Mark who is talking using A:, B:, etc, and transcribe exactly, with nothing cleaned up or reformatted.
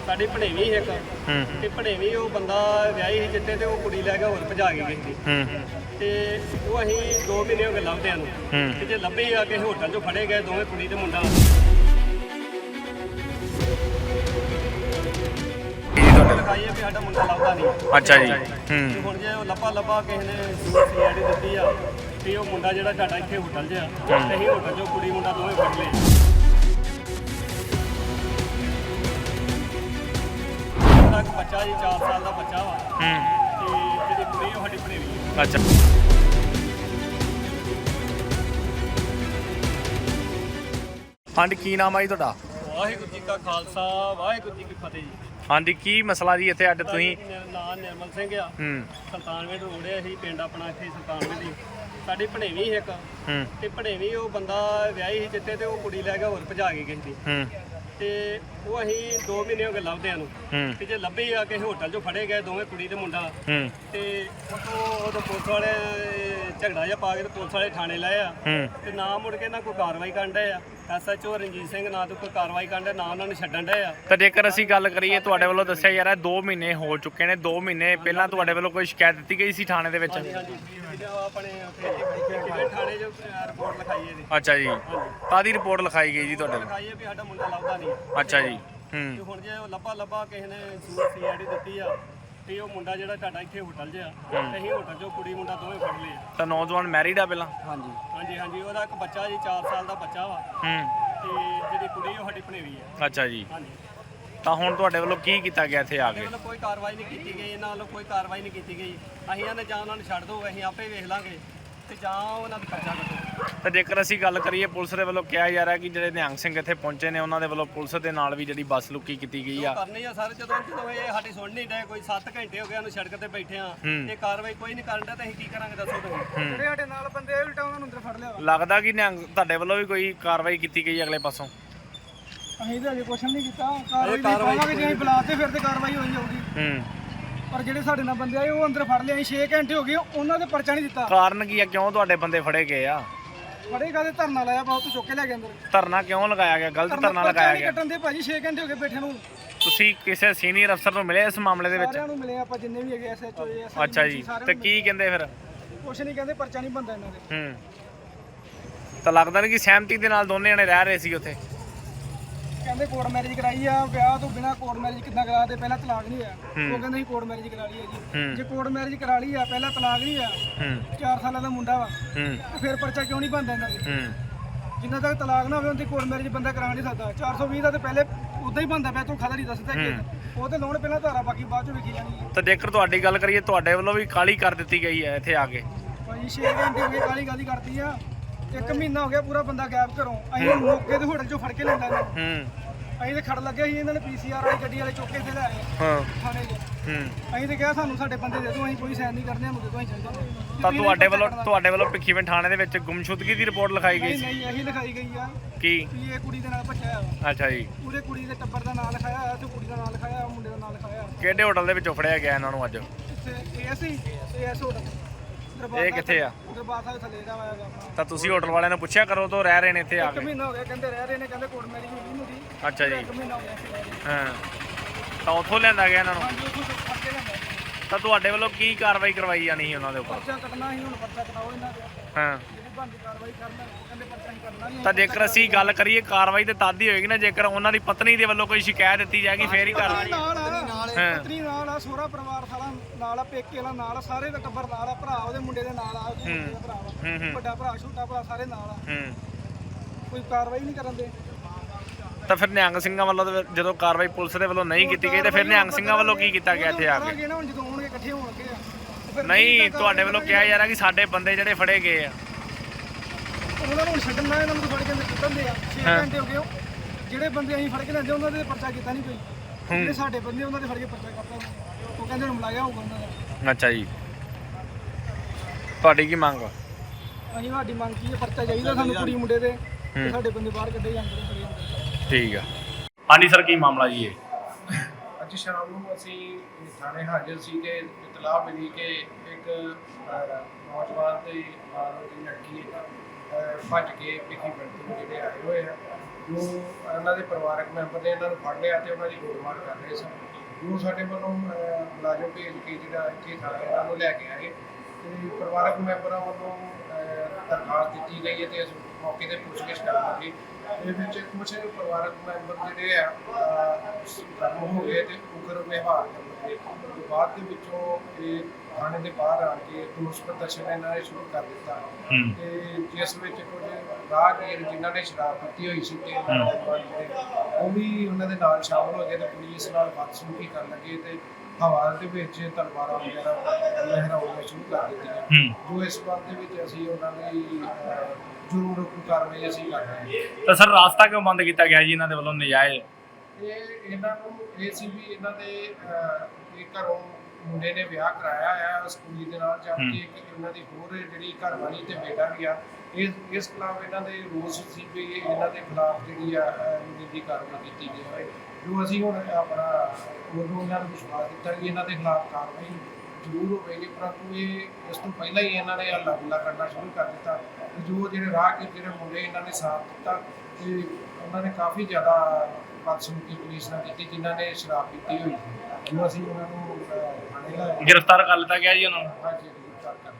A: ਸਾਡੀ ਭਣੇਵੀਂ ਇੱਕ
B: ਹੂੰ
A: ਤੇ ਭਣੇਵੀਂ ਉਹ ਬੰਦਾ ਵਿਆਹੀ ਸੀ ਜਿੱਤੇ ਤੇ ਉਹ ਕੁੜੀ ਲੈ ਕੇ ਹੋਰ ਭਜਾ ਕੇ ਗਈ ਸੀ
B: ਹੂੰ
A: ਤੇ ਉਹ ਅਸੀਂ ਦੋ ਮਹੀਨੇ ਹੋ ਗਏ ਲੱਭਦਿਆਂ ਨੂੰ
B: ਹੂੰ
A: ਤੇ ਜੇ ਲੱਭੇ ਆ ਕਿਸੇ ਹੋਟਲ 'ਚੋਂ ਫੜੇ ਗਏ ਦੋਵੇਂ ਕੁੜੀ ਤੇ ਮੁੰਡਾ ਲਿਖਾਈ ਹੈ ਵੀ ਸਾਡਾ ਮੁੰਡਾ ਲੱਭਦਾ ਨਹੀਂ।
B: ਅੱਛਾ ਜੀ।
A: ਤੇ
B: ਹੂੰ
A: ਹੁਣ ਜੇ ਉਹ ਲੱਭਾ ਲੱਭਾ ਕਿਸੇ ਨੇ ਸੀ ਆਈ ਡੀ ਦਿੱਤੀ ਆ ਵੀ ਉਹ ਮੁੰਡਾ ਜਿਹੜਾ ਤੁਹਾਡਾ ਇੱਥੇ ਹੋਟਲ 'ਚ ਆ ਤੇ ਅਸੀਂ ਹੋਟਲ 'ਚੋਂ ਕੁੜੀ ਮੁੰਡਾ ਦੋਵੇਂ ਫੜ ਲਏ। ਉਹਦਾ ਇੱਕ ਬੱਚਾ ਜੀ ਚਾਰ ਸਾਲ ਦਾ ਬੱਚਾ ਵਾ
B: ਹੂੰ
A: ਤੇ ਜਿਹੜੀ ਕੁੜੀ ਉਹ ਸਾਡੀ ਭਣੇਵੀਂ ਆ।
B: ਅੱਛਾ। ਹਾਂਜੀ ਕੀ ਨਾਮ ਆ ਜੀ ਤੁਹਾਡਾ?
A: ਵਾਹਿਗੁਰੂ ਜੀ ਕਾ ਖਾਲਸਾ ਵਾਹਿਗੁਰੂ ਜੀ ਕੀ ਫਤਿਹ ਜੀ।
B: ਹਾਂਜੀ ਕੀ ਮਸਲਾ ਜੀ ਇੱਥੇ ਅੱਡ ਤੁਸੀਂ?
A: ਮੇਰਾ ਨਾਂ ਨਿਰਮਲ ਸਿੰਘ ਆ।
B: ਹੂੰ
A: ਸੁਲਤਾਨਵਿੰਡ ਰੋਡ ਹੈ ਅਸੀਂ ਪਿੰਡ ਆਪਣਾ ਇੱਥੇ ਸੁਲਤਾਨਵਿੰਡ ਦੀ ਸਾਡੀ ਭਣੇਵੀਂ ਇੱਕ
B: ਹੂੰ
A: ਤੇ ਭਣੇਵੀਂ ਉਹ ਬੰਦਾ ਵਿਆਹੀ ਸੀ ਜਿੱਤੇ ਤੇ ਉਹ ਕੁੜੀ ਲੈ ਕੇ ਹੋਰ ਭਜਾ ਕੇ ਗਈ ਸੀ
B: ਹੂੰ
A: ਤੇ ਉਹ ਅਸੀਂ ਦੋ ਮਹੀਨੇ ਹੋ ਗਏ ਲੱਭਦਿਆਂ ਨੂੰ
B: ਹੂੰ
A: ਤੇ ਜੇ ਲੱਭੇ ਆ ਕਿਸੇ ਹੋਟਲ 'ਚੋਂ ਫੜੇ ਗਏ ਦੋਵੇਂ ਕੁੜੀ ਤੇ ਮੁੰਡਾ
B: ਹੂੰ
A: ਤੇ ਉਹ ਉਹਦੇ ਪੁਲਿਸ ਵਾਲੇ ਝਗੜਾ ਜਿਹਾ ਪਾ ਕੇ ਤੇ ਪੁਲਿਸ ਵਾਲੇ ਥਾਣੇ ਲਾਏ ਆ
B: ਹੂੰ
A: ਤੇ ਨਾ ਮੁੜ ਕੇ ਨਾ ਕੋਈ ਕਾਰਵਾਈ ਕਰਨ ਡਏ ਆ। S H O Ranjit Singh ਨਾ ਤੋਂ ਕੋਈ ਕਾਰਵਾਈ ਕਰਨ ਡਏ ਨਾ ਉਹਨਾਂ ਨੂੰ ਛੱਡਣ ਡਏ ਆ।
B: ਤਾਂ ਜੇਕਰ ਅਸੀਂ ਗੱਲ ਕਰੀਏ ਤੁਹਾਡੇ ਵੱਲੋਂ ਦੱਸਿਆ ਯਾਰ ਦੋ ਮਹੀਨੇ ਹੋ ਚੁੱਕੇ ਨੇ, ਦੋ ਮਹੀਨੇ ਪਹਿਲਾਂ ਤੁਹਾਡੇ ਵੱਲੋਂ ਕੋਈ ਸ਼ਿਕਾਇਤ ਦਿੱਤੀ ਗਈ ਸੀ ਥਾਣੇ ਦੇ ਵਿੱਚ?
A: ਹਾਂਜੀ ਹਾਂਜੀ ਆਪਣੇ ਉੱਥੇ ਥਾਣੇ 'ਚ ਰਿਪੋਰਟ ਲਿਖਾਈ ਹੈ ਜੀ।
B: ਅੱਛਾ ਜੀ। ਕਾਹਦੀ ਰਿਪੋਰਟ ਲਿਖਾਈ ਗਈ ਜੀ ਤੁਹਾਡੇ ਵੱਲੋਂ?
A: ਲਿਖਾਈ ਹੈ ਵੀ ਸਾਡਾ ਮੁੰਡਾ ਲੱਭਦਾ ਨਹੀਂ।
B: ਅੱਛਾ ਜੀ।
A: ਤੇ
B: ਹੂੰ
A: ਹੁਣ ਜੇ ਉਹ ਲੱਭਾ ਲੱਭਾ ਕਿਸੇ ਨੇ ਸੀ ਆਈ ਡੀ ਦਿੱਤੀ ਆ ਤੇ ਉਹ ਮੁੰਡਾ ਜਿਹੜਾ ਤੁਹਾਡਾ ਇੱਥੇ ਹੋਟਲ 'ਚ ਆ ਤੇ ਅਸੀਂ ਹੋਟਲ 'ਚੋਂ ਕੁੜੀ ਮੁੰਡਾ ਦੋਵੇਂ ਫੜ ਲਏ ਆ।
B: ਤਾਂ ਨੌਜਵਾਨ ਮੈਰਿਡ ਆ ਪਹਿਲਾਂ?
A: ਹਾਂਜੀ ਹਾਂਜੀ ਹਾਂਜੀ ਉਹਦਾ ਇੱਕ ਬੱਚਾ ਜੀ ਚਾਰ ਸਾਲ ਦਾ ਬੱਚਾ ਵਾ
B: ਹੂੰ
A: ਤੇ ਜਿਹੜੀ ਕੁੜੀ ਉਹ ਸਾਡੀ ਭਣੇਵੀਂ ਆ।
B: ਅੱਛਾ ਜੀ।
A: ਹਾਂਜੀ
B: ਤਾਂ ਹੁਣ ਤੁਹਾਡੇ ਵੱਲੋਂ ਕੀ ਕੀਤਾ ਗਿਆ ਇੱਥੇ ਆ
A: ਸਾਡੇ
B: ਕੇ?
A: ਵੱਲੋਂ ਕੋਈ ਕਾਰਵਾਈ ਨਹੀਂ ਕੀਤੀ ਗਈ, ਇਹਨਾਂ ਵੱਲੋਂ ਕੋਈ ਕਾਰਵਾਈ ਨਹੀਂ ਕੀਤੀ ਗਈ। ਅਸੀਂ ਇਹਨਾਂ ਜਾਂ ਉਹਨਾਂ ਨੂੰ ਛੱਡ ਦਿਓ, ਅਸੀਂ ਆਪੇ ਵੇਖ ਲਾਂਗੇ ਤੇ ਜਾਂ ਉਹਨਾਂ ਦਾ ਪਰਚਾ ਕੱਟੋ।
B: ਤਾਂ ਜੇਕਰ ਅਸੀਂ ਗੱਲ ਕਰੀਏ ਪੁਲਿਸ ਦੇ ਵੱਲੋਂ ਕਿਹਾ ਜਾ ਰਿਹਾ ਕਿ ਜਿਹੜੇ ਨਿਹੰਗ ਸਿੰਘ ਇੱਥੇ ਪਹੁੰਚੇ ਨੇ ਉਹਨਾਂ ਦੇ ਵੱਲੋਂ ਪੁਲਿਸ ਦੇ ਨਾਲ ਵੀ ਜਿਹੜੀ ਬੱਸ ਲੁਕੀ ਕੀਤੀ ਗਈ ਆ।
A: ਕਰਨੀ ਆ ਸਰ, ਜਦੋਂ ਜਦੋਂ ਇਹ ਸਾਡੀ ਸੁਣ ਨਹੀਂ ਡਏ, ਕੋਈ ਸੱਤ ਘੰਟੇ ਹੋ ਗਏ ਉਹਨੂੰ ਸੜਕ ਤੇ ਬੈਠੇ ਆ ਤੇ ਕਾਰਵਾਈ ਕੋਈ ਨਹੀਂ ਕਰਨ ਡਿਆ ਤੇ ਅਸੀਂ ਕੀ ਕਰਾਂਗੇ ਦੱਸੋ ਤੁਸੀਂ? ਜਿਹੜੇ ਸਾਡੇ ਨਾਲ ਬੰਦੇ ਉਲਟਾ ਉਹਨਾਂ ਨੂੰ ਅੰਦਰ ਫੜ ਲਿਆ।
B: ਲੱਗਦਾ ਕਿ ਨਿਹੰਗ ਤੁਹਾਡੇ ਵੱਲੋਂ ਵੀ ਕੋਈ ਕਾਰਵਾਈ ਕੀਤੀ ਗਈ ਅਗਲੇ ਪਾਸੋਂ?
A: ਅਸੀਂ ਤਾਂ ਅਜੇ ਕੁਛ ਨਹੀਂ ਕੀਤਾ, ਕਾਰਵਾਈ ਕਰਾਂਗੇ ਜੇ ਅਸੀਂ ਬੁਲਾਤੇ ਫਿਰ ਤੇ ਕਾਰਵਾਈ ਹੋਈ ਜਾਊਗੀ।
B: ਹੂੰ
A: ਪਰ ਜਿਹੜੇ ਸਾਡੇ ਨਾਲ ਬੰਦੇ ਆਏ ਉਹ ਅੰਦਰ ਫੜ ਲਿਆ। ਅਸੀਂ ਛੇ ਘੰਟੇ ਹੋ ਗਏ ਉਹਨਾਂ ਦੇ ਪਰਚਾ ਨਹੀਂ ਦਿੱਤਾ।
B: ਕਾਰਨ ਕੀ ਆ, ਕਿਉਂ ਤੁਹਾਡੇ ਬੰਦੇ ਫੜੇ ਗਏ ਆ?
A: ਫੜੇ ਕਾਹਦੇ ਧਰਨਾ ਲਾਇਆ ਬਹੁਤ ਚੁੱਕ ਕੇ ਲੈ ਗਏ ਅੰਦਰ।
B: ਧਰਨਾ ਕਿਉਂ ਲਗਾਇਆ ਗਿਆ? ਗਲਤ ਧਰਨਾ ਲਗਾਇਆ ਗਿਆ।
A: ਕੱਟਣ ਦੇ ਭਾਜੀ ਛੇ ਘੰਟੇ ਹੋ ਗਏ ਬੈਠੇ ਨੂੰ।
B: ਤੁਸੀਂ ਕਿਸੇ ਸੀਨੀਅਰ ਅਫਸਰ ਨੂੰ ਮਿਲੇ ਇਸ ਮਾਮਲੇ ਦੇ ਵਿੱਚ?
A: ਸਾਰਿਆਂ ਨੂੰ ਮਿਲੇ ਆਪਾਂ ਜਿੰਨੇ ਵੀ ਹੈਗੇ ਐਸ ਐਚ ਓ ਐਸ।
B: ਅੱਛਾ ਜੀ। ਤੇ ਕੀ ਕਹਿੰਦੇ ਫਿਰ?
A: ਕੁਛ ਨਹੀਂ ਕਹਿੰਦੇ, ਪਰਚਾ ਨਹੀਂ ਬੰਦਾ ਇਹਨਾਂ ਦੇ।
B: ਹੂੰ ਤਾਂ ਲੱਗਦਾ ਨਹੀਂ ਕਿ ਸਹਿਮਤੀ ਦੇ ਨਾਲ ਦੋਨੇ ਜਣੇ ਰਹਿ ਰਹੇ ਸੀ ਉੱਥੇ?
A: ਕਹਿੰਦੇ ਕੋਰਟ ਮੈਰਿਜ ਕਰਾਈ ਆ, ਵਿਆਹ ਤੋਂ ਬਿਨਾ ਕੋਰਟ ਮੈਰਿਜ ਕਿੱਦਾਂ ਕਰਾ ਦੇ? ਪਹਿਲਾਂ ਤਲਾਕ ਨਹੀਂ ਹੋਇਆ। ਉਹ ਕਹਿੰਦੇ ਸੀ ਕੋਰਟ ਮੈਰਿਜ ਕਰਾ ਲਈ ਆ ਜੀ। ਜੇ ਕੋਰਟ ਮੈਰਿਜ ਕਰਾ ਲਈ ਆ, ਪਹਿਲਾਂ ਤਲਾਕ ਨਹੀਂ ਹੋਇਆ,
B: ਹੂੰ
A: ਚਾਰ ਸਾਲਾਂ ਦਾ ਮੁੰਡਾ ਵਾ,
B: ਹੂੰ
A: ਤੇ ਫਿਰ ਪਰਚਾ ਕਿਉਂ ਨਹੀਂ ਬੰਦਾ ਇਹਨਾਂ ਦੇ?
B: ਹੂੰ
A: ਜਿੰਨਾ ਤੱਕ ਤਲਾਕ ਨਾ ਹੋਵੇ ਉਹਦੀ ਕੋਰਟ ਮੈਰਿਜ ਬੰਦਾ ਕਰਾ ਨਹੀਂ ਸਕਦਾ। ਚਾਰ ਸੌ ਵੀਹ ਦਾ ਤੇ ਪਹਿਲੇ ਉਦਾਂ ਹੀ ਬੰਦਾ ਪਿਆ, ਤੂੰ ਖਦਾ ਨਹੀਂ ਦੱਸਦਾ ਕਿ ਉਹ ਤੇ ਲਾਉਣ ਪਹਿਲਾਂ ਧਾਰਾ, ਬਾਕੀ ਬਾਅਦ ਚ ਵੇਖੀ ਜਾਣੀ ਹੈ।
B: ਤਾਂ ਜੇਕਰ ਤੁਹਾਡੀ ਗੱਲ ਕਰੀਏ ਤੁਹਾਡੇ ਵੱਲੋਂ ਵੀ ਕਾਹਲੀ ਕਰ ਦਿੱਤੀ ਗਈ ਹੈ ਇੱਥੇ ਆ ਕੇ?
A: ਭਾਈ ਛੇ ਘੰਟੇ ਹੋ ਗਏ ਕਾਲੀ ਕਾਲੀ ਕਰਦੀ ਆ। ਇੱਕ ਮਹੀਨਾ ਹੋ ਗਿਆ ਪੂਰਾ ਬੰਦਾ ਗਾਇਬ ਘਰੋਂ। ਅਸੀਂ ਮੌਕੇ ਤੇ ਹੋਟਲ ਚੋਂ ਫੜ ਕੇ ਲੈਂਦਾ ਇਹਨਾਂ
B: ਹੂੰ
A: ਅਸੀਂ ਤੇ ਖੜ ਲੱਗੇ ਸੀ, ਇਹਨਾਂ ਨੇ ਪੀ ਸੀ ਆਰ ਵਾਲੀ ਗੱਡੀ ਵਾਲੇ ਚੁੱਕ ਕੇ ਇੱਥੇ ਲੈ ਆਏ
B: ਹਾਂ
A: ਥਾਣੇ 'ਚ।
B: ਹੂੰ
A: ਅਸੀਂ ਤੇ ਕਿਹਾ ਸਾਨੂੰ ਸਾਡੇ ਬੰਦੇ ਦੇ ਦਿਓ, ਅਸੀਂ ਕੋਈ ਸਾਈਨ ਨਹੀਂ ਕਰਨੇ, ਸਾਨੂੰ ਦੇ ਦਿਓ, ਅਸੀਂ ਚੱਲ ਜਾਂਦੇ।
B: ਤਾਂ ਤੁਹਾਡੇ ਵੱਲੋਂ ਤੁਹਾਡੇ ਵੱਲੋਂ ਭਿੱਖੀਵਿੰਡ ਥਾਣੇ ਦੇ ਵਿੱਚ ਗੁੰਮਸ਼ੁਦਗੀ ਦੀ ਰਿਪੋਰਟ ਲਿਖਾਈ ਗਈ
A: ਨਹੀਂ
B: ਸੀ?
A: ਨਹੀਂ ਇਹੀ ਲਿਖਾਈ ਗਈ ਆ
B: ਕੀ?
A: ਵੀ ਇਹ ਕੁੜੀ ਦੇ ਨਾਲ ਭੱਜਿਆ ਵਾ।
B: ਅੱਛਾ ਜੀ।
A: ਪੂਰੇ ਕੁੜੀ ਦੇ ਟੱਬਰ ਦਾ ਨਾਮ ਲਿਖਾਇਆ ਹੋਇਆ ਤੇ ਕੁੜੀ ਦਾ ਨਾਮ ਲਿਖਾਇਆ, ਮੁੰਡੇ ਦਾ ਨਾਮ ਲਿਖਾਇਆ।
B: ਕਿਹੜੇ ਹੋਟਲ ਦੇ ਵਿੱਚੋਂ ਫੜਿਆ ਗਿਆ ਇਹਨਾਂ ਨੂੰ ਅੱਜ?
A: ਇੱਥੇ ਏਐਸ ਹੀ ਏਐਸ ਹੋਟਲ
B: ਇਹ ਕਿੱਥੇ ਆ?
A: ਦਰਬਾਰ ਸਾਹਿਬ ਥੱਲੇ ਦਾ ਆਇਆ ਗਾ।
B: ਤਾਂ ਤੁਸੀਂ ਹੋਟਲ ਵਾਲਿਆਂ ਨੂੰ ਪੁੱਛਿਆ ਕਰੋ ਤੋਂ ਰਹਿ ਰਹੇ ਨੇ ਇੱਥੇ ਆ
A: ਇੱਕ
B: ਕੇ?
A: ਮਹੀਨਾ ਹੋ ਗਿਆ ਕਹਿੰਦੇ ਰਹਿ ਰਹੇ ਨੇ, ਕਹਿੰਦੇ ਕੋਰਟ ਮੈਰਿਜ ਹੋਈ ਨਹੀਂ ਹੁੰਦੀ।
B: ਅੱਛਾ ਜੀ।
A: ਇੱਕ ਮਹੀਨਾ ਹੋ ਗਿਆ ਇੱਥੇ ਰਹਿ ਰਹੇ।
B: ਹਾਂ ਤਾਂ ਉੱਥੋਂ ਲਿਆਂਦਾ ਗਿਆ ਇਹਨਾਂ ਨੂੰ?
A: ਹਾਂਜੀ ਉੱਥੋਂ ਫੜ ਕੇ ਲਿਆਂਦਾ।
B: ਤਾਂ ਤੁਹਾਡੇ ਵੱਲੋਂ ਕੀ ਕਾਰਵਾਈ ਕਰਵਾਈ ਜਾਣੀ ਸੀ ਉਹਨਾਂ ਦੇ ਉੱਪਰ?
A: ਪਰਚਾ ਕੱਟਣਾ ਸੀ, ਹੁਣ ਪਰਚਾ ਕਟਾਓ ਇਹਨਾਂ ਦੇ।
B: ਹਾਂ
A: ਜਿਹੜੀ ਬਣਦੀ ਕਾਰਵਾਈ ਕਰਨਾ, ਉਹ ਕਹਿੰਦੇ ਪਰਚਾ ਨਹੀਂ ਕਰਨਾ ਨਹੀਂ।
B: ਤਾਂ ਜੇਕਰ ਅਸੀਂ ਗੱਲ ਕਰੀਏ ਕਾਰਵਾਈ ਤੇ ਤਦ ਹੀ ਹੋਏਗੀ ਨਾ ਜੇਕਰ ਉਹਨਾਂ ਦੀ ਪਤਨੀ ਦੇ ਵੱਲੋਂ ਕੋਈ ਸ਼ਿਕਾਇਤ ਦਿੱਤੀ ਜਾਏਗੀ ਫੇਰ ਹੀ ਕਾਰਵਾਈ।
A: ਨਾਲ ਆ ਪਤਨੀ ਨਾਲ ਆ, ਸਹੁਰਾ ਪਰਿਵਾਰ ਸਾਰਾ ਨਾਲ ਆ, ਪੇਕੇ ਵਾਲਾ ਨਾਲ ਆ, ਸਾਰੇ ਦਾ ਟੱਬਰ ਨਾਲ ਆ, ਭਰਾ ਉਹਦੇ ਮੁੰਡੇ ਦੇ ਨਾਲ ਆ, ਉਹਦੇ ਮੁੰਡੇ ਦਾ ਭਰਾ ਵਾ, ਵੱਡਾ ਭਰਾ ਛੋਟਾ ਭਰਾ ਸਾਰੇ ਨਾਲ ਆ।
B: ਹੂੰ
A: ਕੋਈ ਕਾਰਵਾਈ ਨਹੀਂ ਕਰਨ ਦੇ।
B: ਤਾਂ ਫਿਰ ਨਿਹੰਗ ਸਿੰਘਾਂ ਵੱਲੋਂ ਤਾਂ ਜਦੋਂ ਕਾਰਵਾਈ ਪੁਲਿਸ ਦੇ ਵੱਲੋਂ ਨਹੀਂ ਕੀਤੀ ਗਈ ਤਾਂ ਫਿਰ ਨਿਹੰਗ ਸਿੰਘਾਂ ਵੱਲੋਂ ਕੀ ਕੀਤਾ ਗਿਆ ਇੱਥੇ ਆ ਕੇ?
A: ਨਾ ਹੁਣ ਜਦੋਂ ਆਉਣਗੇ ਇਕੱਠੇ ਹੋਣਗੇ ਆ ਤੇ ਫਿਰ
B: ਨਹੀਂ ਤੁਹਾਡੇ ਵੱਲੋਂ ਕਿਹਾ ਜਾ ਰਿਹਾ ਕਿ ਸਾਡੇ ਬੰਦੇ ਜਿਹੜੇ ਫੜੇ ਗਏ ਆ।
A: ਉਹਨਾਂ ਨੂੰ ਛੱਡਣਾ, ਇਹਨਾਂ ਨੂੰ ਫੜ ਕੇ ਅੰਦਰ ਸੁੱਟਣ ਦੇ ਆ। ਛੇ ਘੰਟੇ ਹੋ ਗਏ, ਜਿਹੜੇ ਬੰਦੇ ਅਸੀਂ ਫੜ ਕੇ ਲੈਂਦੇ ਉਹਨਾਂ ਦੇ ਪਰਚਾ ਕੀਤਾ ਨਹੀਂ ਕੋਈ। ਜਿਹੜੇ ਸਾਡੇ ਬੰਦੇ ਉਹਨਾਂ ਦੇ ਫੜ ਕੇ ਪਰਚਾ ਕਰਤਾ, ਉਹ ਕਹਿੰਦੇ ਹੁਣ ਮਲਾਇਆ ਹੋਊਗਾ ਉਹਨਾਂ ਦਾ।
B: ਅੱਛਾ ਜੀ। ਤੁਹਾਡੀ ਕੀ ਮੰਗ ਆ?
A: ਅਸੀਂ ਸਾਡੀ ਮੰਗ ਕੀ ਹੈ, ਪਰਚਾ ਚਾਹੀਦਾ ਸਾਨੂੰ ਕੁੜੀ ਮੁੰਡੇ ਦੇ, ਤੇ ਸਾਡੇ ਬੰਦੇ ਬਾਹਰ ਕੱਢੇ ਜਾਂਦੇ ਨੇ।
B: ਠੀਕ ਆ। ਹਾਂਜੀ ਸਰ ਕੀ ਮਾਮਲਾ ਜੀ ਇਹ?
C: ਅੱਜ ਸ਼ਾਮ ਨੂੰ ਅਸੀਂ ਥਾਣੇ ਹਾਜ਼ਰ ਸੀ ਕਿ ਇਤਲਾਹ ਮਿਲੀ ਕਿ ਇੱਕ ਨੌਜਵਾਨ ਤੇ ਨਾਲ ਦੀ ਲੜਕੀ ਭੱਜ ਕੇ ਭਿੱਖੀਵਿੰਡ ਤੋਂ ਜਿਹੜੇ ਆਏ ਹੋਏ ਆ ਜੋ ਇਹਨਾਂ ਦੇ ਪਰਿਵਾਰਕ ਮੈਂਬਰ ਨੇ ਇਹਨਾਂ ਨੂੰ ਫੜ ਲਿਆ ਤੇ ਉਹਨਾਂ ਦੀ ਗੋਲਮਾਰ ਕਰ ਰਹੇ ਸਨ। ਜੋ ਸਾਡੇ ਵੱਲੋਂ ਅਹ, ਮੁਲਾਜ਼ਮ ਭੇਜ ਕੇ ਜਿਹੜਾ ਇੱਥੇ ਥਾਣੇ ਇਹਨਾਂ ਨੂੰ ਲੈ ਕੇ ਆਏ ਤੇ ਪਰਿਵਾਰਕ ਮੈਂਬਰਾਂ ਵੱਲੋਂ ਅਹ, ਦਰਖਾਸਤ ਦਿੱਤੀ ਗਈ ਹੈ ਤੇ ਅਸੀਂ ਮੌਕੇ ਤੇ ਪੁੱਛਗਿੱਛ ਕਰਨ ਲੱਗੇ। ਇਹ ਵਿੱਚ ਕੁਝ ਪਰਿਵਾਰਕ ਮੈਂਬਰ ਜਿਹੜੇ ਆ ਗਰਮ ਹੋ ਗਏ ਤੇ ਉਗਰ ਵਿਵਹਾਰ ਕਰਨ ਲੱਗੇ। ਤੇ ਬਾਅਦ ਦੇ ਵਿੱਚੋਂ ਇਹ ਥਾਣੇ ਦੇ ਬਾਹਰ ਆ ਕੇ ਰੋਸ ਪ੍ਰਦਰਸ਼ਨ ਇਹਨਾਂ ਨੇ ਸ਼ੁਰੂ ਕਰ ਦਿੱਤਾ ਤੇ ਜਿਸ ਵਿੱਚ ਕੁਝ ਰਾਹਗੀਰ ਜਿਨ੍ਹਾਂ ਨੇ ਸ਼ਰਾਬ ਪੀਤੀ ਹੋਈ ਸੀ ਤੇ ਇਹਨਾਂ ਦੇ ਨਾਲ ਜਿਹੜੇ ਉਹ ਵੀ ਉਹਨਾਂ ਦੇ ਨਾਲ ਸ਼ਾਮਲ ਹੋ ਗਏ ਤੇ ਪੁਲਿਸ ਨਾਲ ਬਦਸਲੂਕੀ ਕਰਨ ਲੱਗੇ ਤੇ ਹਵਾ ਦੇ ਵਿੱਚ ਤਲਵਾਰਾਂ ਵਗੈਰਾ ਲਹਿਰਾਉਣੀਆਂ ਸ਼ੁਰੂ ਕਰ ਦਿੱਤੀਆਂ। ਜੋ ਇਸ ਬਾਤ ਦੇ ਵਿੱਚ ਅਸੀਂ ਉਹਨਾਂ ਦੀ ਅਹ, ਜ਼ਰੂਰ ਰੋਕੂ ਕਾਰਵਾਈ ਅਸੀਂ ਕਰ ਰਹੇ ਹਾਂ।
B: ਤਾਂ ਸਰ ਰਾਸਤਾ ਕਿਉਂ ਬੰਦ ਕੀਤਾ ਗਿਆ ਜੀ ਇਹਨਾਂ ਦੇ ਵੱਲੋਂ ਨਜਾਇਜ਼?
C: ਇਹ ਇਹਨਾਂ ਨੂੰ ਇਹ ਸੀ ਵੀ ਇਹਨਾਂ ਦੇ ਅਹ, ਇਹ ਘਰੋਂ ਮੁੰਡੇ ਨੇ ਵਿਆਹ ਕਰਾਇਆ ਆ ਉਸ ਕੁੜੀ ਦੇ ਨਾਲ ਜਦ ਕਿ ਇੱਕ ਇਹਨਾਂ ਦੀ ਹੋਰ ਜਿਹੜੀ ਘਰਵਾਲੀ ਤੇ ਬੇਟਾ ਵੀ ਆ। ਇਸ ਇਸ ਖਿਲਾਫ ਇਹਨਾਂ ਦੇ ਰੋਸ ਸੀ ਵੀ ਇਹ ਇਹਨਾਂ ਦੇ ਖਿਲਾਫ ਜਿਹੜੀ ਆ ਨਿੱਜੀ ਕਾਰਵਾਈ ਕੀਤੀ ਜਾਵੇ। ਜੋ ਅਸੀਂ ਹੁਣ ਆਪਣਾ ਉਦੋਂ ਇਹਨਾਂ ਨੂੰ ਵਿਸ਼ਵਾਸ ਦਿੱਤਾ ਕਿ ਇਹਨਾਂ ਦੇ ਖਿਲਾਫ ਕਾਰਵਾਈ ਜ਼ਰੂਰ ਹੋਵੇਗੀ, ਪਰੰਤੂ ਇਹ ਇਸ ਤੋਂ ਪਹਿਲਾਂ ਹੀ ਇਹਨਾਂ ਨੇ ਹੱਲਾ ਗੁੱਲਾ ਕਰਨਾ ਸ਼ੁਰੂ ਕਰ ਦਿੱਤਾ। ਤੇ ਜੋ ਜਿਹੜੇ ਰਾਹ ਜਿਹੜੇ ਮੁੰਡੇ ਇਹਨਾਂ ਨੇ ਸਾਥ ਦਿੱਤਾ ਤੇ ਉਹਨਾਂ ਨੇ ਕਾਫੀ ਜ਼ਿਆਦਾ ਬਦਸਲੂਕੀ ਪੁਲਿਸ ਨਾਲ ਕੀਤੀ ਜਿਨ੍ਹਾਂ ਨੇ ਸ਼ਰਾਬ ਪੀਤੀ ਹੋਈ ਸੀ। ਜੋ ਅਸੀਂ ਉਹਨਾਂ ਨੂੰ ਥਾਣੇ ਲਾਇਆ
B: ਗ੍ਰਿਫਤਾਰ ਕਰ ਲਿੱਤਾ ਗਿਆ ਜੀ ਉਹਨਾਂ ਨੂੰ।
C: ਹਾਂਜੀ ਗ੍ਰਿਫਤਾਰ ਕਰ